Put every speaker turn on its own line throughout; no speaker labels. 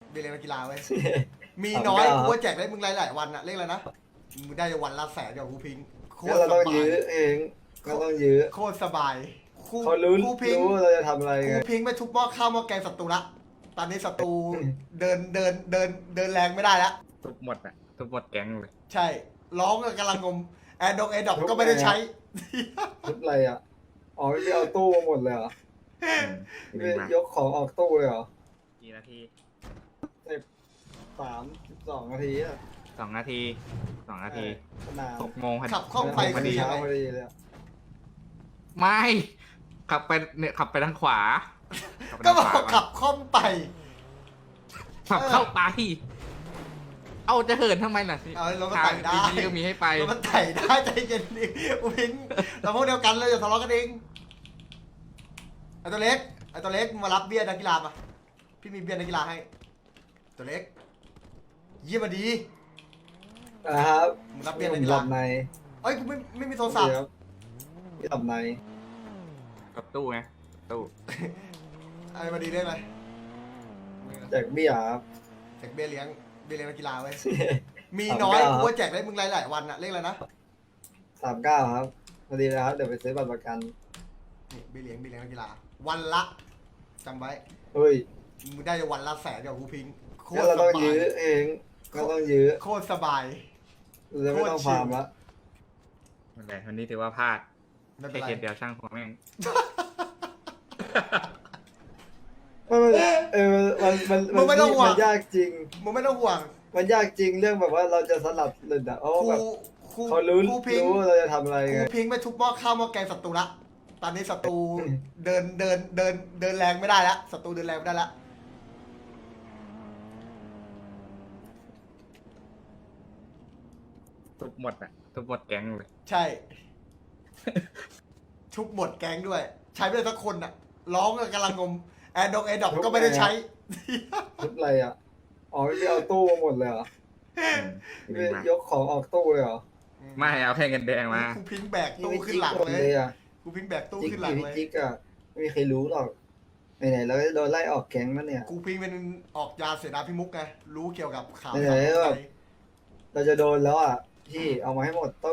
เรียนนักกีฬาไว้ยมีน้อยกูว่าแจกได้มึงหลายวันอะเลขอะไรนะมึงได้วันละ100,000กับกูพิงค์โค
ก็
ตร
เรา
ส
ต้อง
บา
ยื้
ย
อเองก็ต้องยื้อ
โคตรสบายกู
เขารู้
กูพิงค์
ว่าเราจะทำอะไร
กู
ไง
พิงค์ไปทุบหม้อข้าวหม้อแกงศัตรูละตอนนี้ศัตรูเดินแรงไม่ได้แล้ว
ทุบหมดอ่ะทุบหมดแก๊งเลย
ใช่ร้องกำลังงมแอร์ดอกก็ไม่ได้ใช้
ทุบอะไรอ่ะอ๋อไม่เอาตู้มาหมดเลยเหรอ
ดี
ไม่
มาก
ยกของออกตู้เลยเหรอ
กี่นาที
32 นาทีอ่ะ
2 นาที2 นาที
นาน
6 โมงพอดี
ขับคล่องไฟ
พอ
คือ
ดี
ยังไง
พอดีเลยอะ
ไม่ขับไปเนี่ยขับไปทางขวาขับไป
ก็
ทาง
บ
ข
อ
วาก
ขับคล่อมไป
ขับเข้าไปเอาจะเหินทำไมล่ะสิ
เอารถมัน
ทาง
ไต่ได้
ดีๆก็มีให้ไป
แล้วมันไถ่ได้ใจเย็นดิกูพิงเราพวกเดียวกันเลยอย่าทะเลาะกันเองไอตัวเล็กมึงมารับเบี้ยนักกีฬาปะพี่มีเบี้ยนักกีฬาให้ตัวเล็กเยี่ยมมาดี
นะครับ
มึงรับเบี้ย
ผ
นัก
ม
กี
ห
ฬา
ลับใน
เอ้ยกูไม่มีโทรศัพท์
พี่หลับใน
กับตู้ไงตู้
ไอ้มาดีได้ไหม
แจกเบี้ยครับ
แจกเบี้ยเลี้ยงนักกีฬาไว้ยมีน้อยกูว่าแจกได้มึงหลายวันอะเลขอะไรนะ
39ครับพอดีเลยครับเดี๋ยวไปซื้อบัตรประกัน
นี่เบี้ยเลี้ยงนักกีฬาวันละจำไว้
เฮ้ย
มึงได้วันละ100,000กับกูพิงค์โค
ก็
ตร
เรา
ส
ต้อง
บาย
ยื้อเองก็ต้องยื้อ
โคตรสบาย
เราจะไม่ต้องฟาร์มละ
นั่นแหละวันนี้ถือว่าพลาด
ไม่เป็
แค่
นไร
เคสเดียวช่างหัวแม่ง
มันมันยากจริง
มึงไม่ต้องห่วง
มันยากจริงเรื่องแบบว่าเราจะสลับหลุดอ่ะเพราะว่าแบบ
ครู
เขารู้
ครูพิงค์
ว่าเราจะทำอะไร
ครู
ไง
พิงค์ไปทุบหม้อข้าวหม้อแกงศัตรูละตอนนี้ศัตรูเดินแรงไม่ได้แล้วศัตรูเดินแรงไม่ได้แล้ว
ทุบหมดอ่ะทุบหมดแก๊งเลย
ใช่ ทุบหมดแก๊งด้วย ใช้ไม่ได้สักคนอ่ะร้องกำลังงมแอร์ดอกก็ไม่ได้ใช้
ทุบอะไรอ่ะอ๋อไม่เอาตู้มาหมดเลยเหรอ
ดี
ไม่
มาก
ยกของออกตู้เลยเหรอ
ไม่เอาแค่เงินแดงมา
ครูพิงค์แบก
นี่
ตู้
ไม่
ขึ้
จิ๊
น
ก
หลัง
หมด
เล
เลย ยอ่ะ
ครูพิงค์แบกตู้
จิ๊ก
ขึ้นหลัง
พี่
เลย
จิ๊กอ่ะไม่มีใครรู้หรอกไหนๆเราก็โดนไล่ออกแก๊งแล้วเนี่ย
ครูพิงค์เป็นออกยาเสนาพิมุกไงรู้เกี่ยวกับข่าว
ไหนๆแบบ เราจะโดนแล้วอ่ะพี่เอามาให้หมดตู้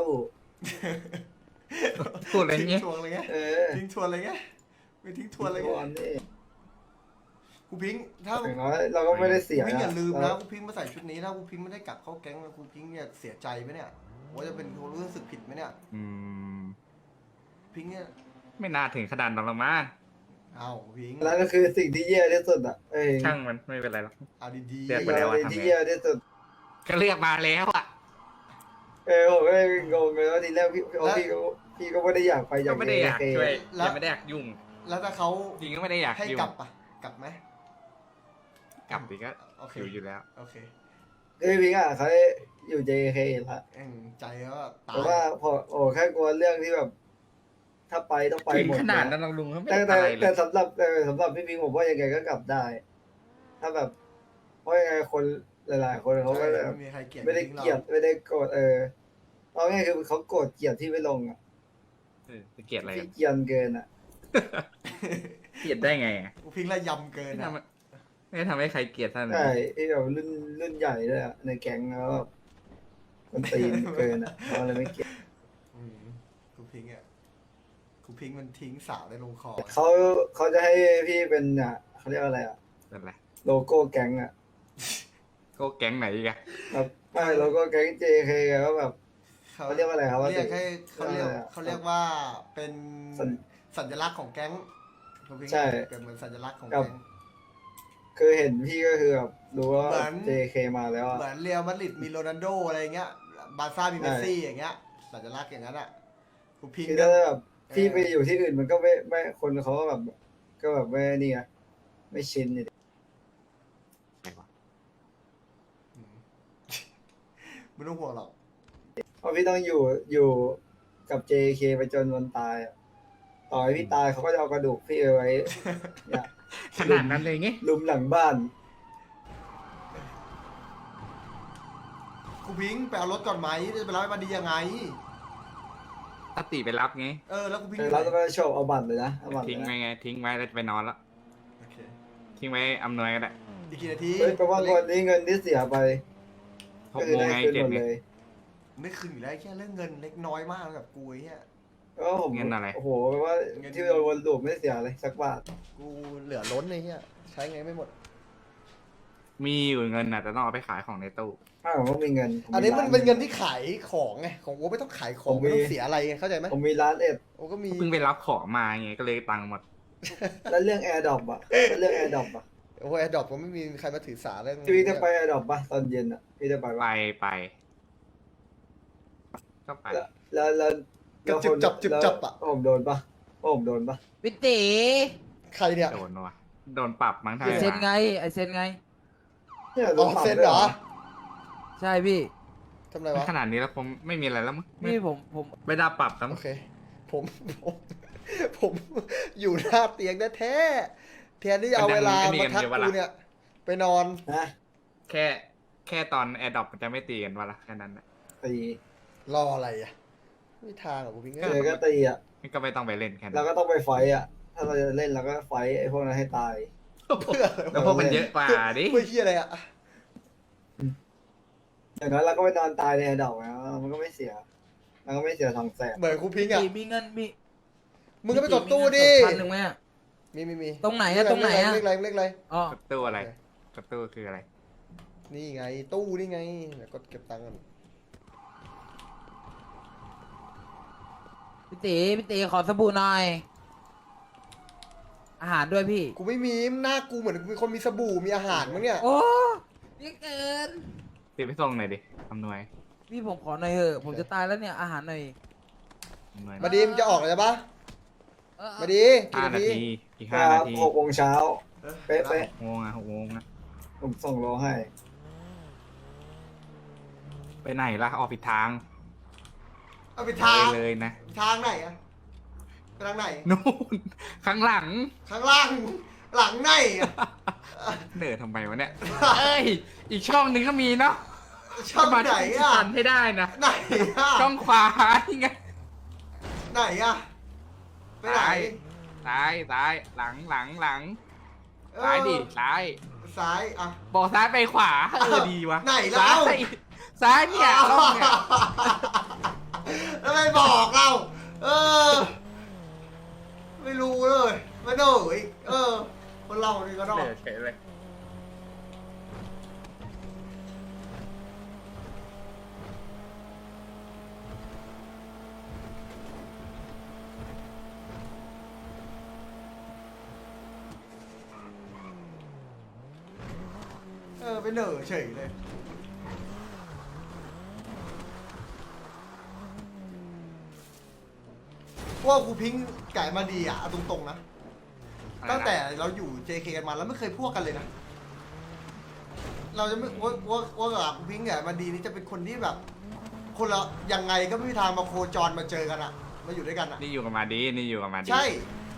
พูดอะไรเงี้ย
ทิ้งทวนอะไรเงี้ย
เออ
ทิ้งทวนอะไรเงี้ยไม่ทิ้งทวนอะไร
ทุ
เงี้
กวัน
ย
นี่
ครูพิงค์ถ้า
อย่างน้อยเราก็ไม่ได้เสี
ค
ย
รูพิงค์อย่าลืมนะ
เรา
ครูพิงค์มาใส่ชุดนี้ถ้าครูพิงค์ไม่ได้กลับเข้าแก๊งนะครูพิงค์เนี่ยเสียใจไหมเนี่ยว่าจะเป็นคนรู้สึกผิดไหมเนี่ย
อืม
พิงค์เนี่ย
ไม่น่าถึงขนาดนั้นหรอกมั้ง
เอาพิงค์
แล้วก็คือสิ่งที่แย่ที่สุดอ่ะเอ้ย
ช่างมันไม่เป็นไรหรอก
เอาดี
เรียก
ๆ
ไปแล้วอะ
สิ่งที่แย่ที่สุด
ก็เลือกมาแล้วอ่ะ
ผมก็งงเลยว่าทีแรกพี่ก็ไม่ได้อยากไปอ
ก็
ยาก
ไม่ได้อยาก
เอ
ช่วยยังไม่ได้อยากยุ่ง
แล้วถ้าเขา
จริงก็ไม่ได้อยาก
ให้
ยุ่ง
กลับปะกลับไหม
กลับดีก็
โอเค
อยู่แล้ว
โอเค
คือพี่อ่ะเขาอยู่ JK ละ
ใจก็ตา
แต่ว่าย พอแค่กลัวเรื่องที่แบบ ถ้าไปต้องไป
ถึง
หมด
ขนาด
นะ
นั้นเราลุงเขาไม่
แต่
ได้อะไรเล
แต่
ย
สำหรับพี่พิงผมว่ายังไงก็กลับได้ ถ้าแบบเพราะยังไงคนหลายๆคนเขาก็แบบ
ไม่มีใครเกลียด
ไม่ได้
พิงค์หรอ
เกลียดไม่ได้โกรธเอาง่ายคือเขาโกรธเกลียดที่ไม่ลงอ่ะ
จะเกลียดอะไรกั
พี่
น
เกลียนเกินอ่ะ
เกลียดได้ไงอ่ะ
กูพิงค์ละยำเกิน
ไม่
อะ
ทำไม่ทำให้ใครเกลียดท่าน
ใช่ที่แบบรุ่นใหญ่ด้วยอ่ะในแก๊งแล้วแบบมันตีนเกินอ่ะเขาเลยไม่เกลียด
อืมกูพิงค์อ่ะกูพิงค์มันทิ้งสาวได้ลงคอ
เขาจะให้พี่เป็นอ่ะเขาเรียกว่าอะไรอ่ะ
นั่นแหละ
โลโก้แก๊งอ่ะ
ก็แก๊งไหนอีกอะ
แบบไม่โลโก้แก๊ง JK อะก็แบบเขาเรียกว่าอะไรครับว่า
เรียกให้เขาเรียก
อะไรอะ
เขาเรียกว่าเป็น
สัญ
สัญลักษณ์ของแก๊งกูพิงค์
ใช่
เกิดเหมือนสัญลักษณ์ของ
กับ
แก๊ง
คือเห็นพี่ก็คือแบบรู้ว่า
เหมือน
JK มาแล้วอะ
เหมือนเรียลมาดริดมีโรนัลโดอะไรเงี้ยบาร์ซ่ามีเมสซี่อย่างเงี้ยสัญลักษณ์อย่างนั้นอ่ะกูพิง
คือ
ค์ก็
ถ้าแบบพี่ไปอยู่ที่อื่นมันก็ไม่คนเขาก็แบบก็แบบไม่นี่ไงไม่ชินเนี่ย
ไหนวะ
อืม ไม่ต้องห่วงหรอก
เพราะพี่ต้องอยู่กับ JK ไปจนวันตายอะต่อให้พี่ตายเขาก็จะเอากระดูกพี่เอาไว้ เนี่ย
ขนาดนั้นเลยไง
ลุมหลังบ้าน
กูพิงค์ไปเอารถก่อนไหมจะไปรับไอ้มาดียังไง
ถ้าตีไปรับไง
แล้วกูพิง
เอ
ค์
อเราจะไปโชว์เอาบัตรเลยนะเอาบัตรเล
ทิ้ง
ย
ไว้
นะ
ไงทิ้งไว้แล้วจะไปนอนแล้ว
โอเค
ทิ้งไว้อำนวยก็ได้
โอีกกี่นาที
เฮ้ยแปลว่าวันนี้เงินที่เสียไป
ห
ก็
ก
คือ
โมง
ได้
ไง
คืน
เจ็
ห
ด
มด
ไง
เลย
ไม่คืนอยู่แล้วแค่เรื่องเงินเล็กน้อยมากกับกูไอ้เหี้ย
ก็ผม
เงินอะไร
โอ้โหแปลว่าที่เราวนลูปไม่เสียเลยสักบาท
กูเหลือล้นไอ้เหี้ยใช้ไงไม่หมด
มีอยู่เงินน่ะแต่ต้องเอาไปขายของในตู้
ถ้าผมว่ามีเงินผ
อันนี้มันเป็น
ร้า
เงินที่ขายของไงของโอ้ไม่ต้องขายของ
ผมมี
ไม่ต้องเสียอะไรไงเข้าใจไหม
ผมมีร้านเอ็ด
โอ้ก็มี
เพิ่งไปรับของมาไงก็เลยตังค์หมด
แล้วเรื่องแอร์ดรอปอะแล้วเรื่องแอร์ดรอปอะ
โอ้แอร์ดรอปผมไม่มีใครมาถือสาเรื่อง
พี่จะไปแอร์ดรอปปะตอนเย็นอะพี่จะไป
ไป
ปะ
ก็ไป
แล้ว
กระจุบจับจุบจับอ่ะ
ผมโดนปะผมโดนปะ
พี่ตี
ใครเนี่ย
โดนวะโดนปรับมั้งไทย
ไอเซนไงไอเซนไง
เนี่ยโด
อ๋อน
ปรับ
เซ็น
ด้วย
เหรอ
ใช่พี่
ทำไรวะ
ขนาดนี้แล้วผมไม่มีอะไรแล้วมั้ง
นี่ผม
ไม่ได้ปรับแล้ว
โอ
มั้ง
เคผมผมอยู่หน้าเตียงแท้ๆแทนที่จะเอาเวลามาทักกูเนี่ยไปนอน
นะ
แค่ตอนแอร์ดรอปมันจะไม่ตีกันวะละแค่นั้นนะ
ตี
รออะไรอ่ะไม่มีทางหรอกกูพิงเอ้
เจอย ก็ตีอะ
ก็ไม่ต้องไปเล่นแค่
เรา
นั้น
ก็ต้องไปไฟต์อะถ้าเราจะเล่นเราก็ไฟต์ไอ้พวกนั้นให้ตาย
เพื่ออะไร
แล้ว
วะ
พวกมันเยอะกว่าดิ
เพื่อเฮียอะไรอ่ะ
อย่างนั้นเราก็ไปนอนตายในแอร์ดรอปนะมันก็ไม่เสียมันก็ไม่เสีย200,000
เหมือนกูพิงอ่ะ
มีเงินมี
มึงก็ไปกดตู้ดิ
พันหนึ่งไหมอะ
มี
ตรงไหนอะตรงไหนอะ
เลขอะไร
อ๋อก
ดตู้อะไรกดตู้คืออะไร
นี่ไงตู้นี่ไงเดี๋ยวกดเก็บตังค์กัน
พี่ตีขอสบู่หน่อย อาหารด้วยพี่
กูไม่มีหน้ากูเหมือนมีคนมีสบู่มีอาหารมั้งเนี่ย
โอ้นี่เกิน
ตีไปส่งหน่อยดิอำนวย
พี่ผมขอหน่อยเถอะผมจะตายแล้วเนี่ยอาหารหน่อย
อำนวย
มาดีมงจะออกเลยปะ
เออ
มาดีกี่
5
นา
นา
ที
ทีอีก
ครั
5 นา
บ
ที
6 โมงเช้า เป๊ะ
6 โมงอะ6 โมงอะ
ผมส่งโลให้
ไปไหนล่ะออกผิดทาง
เอาไปทาง
ไปเลยนะ
ทางไหนอะไปทางไหน
นู่นข้างหลัง
ข้างล่างหลังไหนอะ
เดินทำไมวะเนี่ย เอ้ย อีกช่องหนึ่งก็มีเนาะ
ช่องไหน
ที่
อะ
ทันให้ได้นะ
ไหนอะ
ช่องขวานี่ไง
ไหนอะไปไหน
ซ้ายหลัง
เออ
ซ้ายดิซ้าย
ซ้ายอะ
บอกซ้ายไปขวาดีวะ
ไหนแล้ว
ซ้ายเนี่ยช่องเนี่ย
แล้วไม่บอกเรา เออ ไม่รู้เลยไม่โดนอีกคนเรานี่ก็ต้อง
เดี๋ยวเฉยเลย
ไปเหน่อเฉยเลยว่ากูพิงไก่มาดีอ่ะเอาตรงๆนะ ตั้งแต่เราอยู่ JK กันมาแล้วไม่เคยพวกกันเลยนะ เราจะไม่ว่ากับกูพิงไก่มาดีนี่จะเป็นคนที่แบบ คนละยังไงก็ไม่มีทางมาโคจรมาเจอกันอะมาอยู่ด้วยกันอะ
นี่อยู่กับมาดีนี่อยู่กับมาดี
ใช่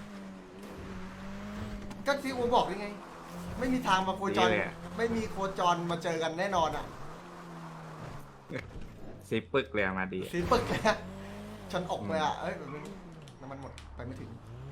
ก็ที่อูบอกยังไง ไม่มีทางมาโคจร ไม่มีโคจรมาเจอกันแน่นอนอะ
ซีปึกเลยอะมาดี
สีปึกเลยอะฉันออกไปอะเอ้ยแบบนึงน้ำมันหมดไปไม่ถึง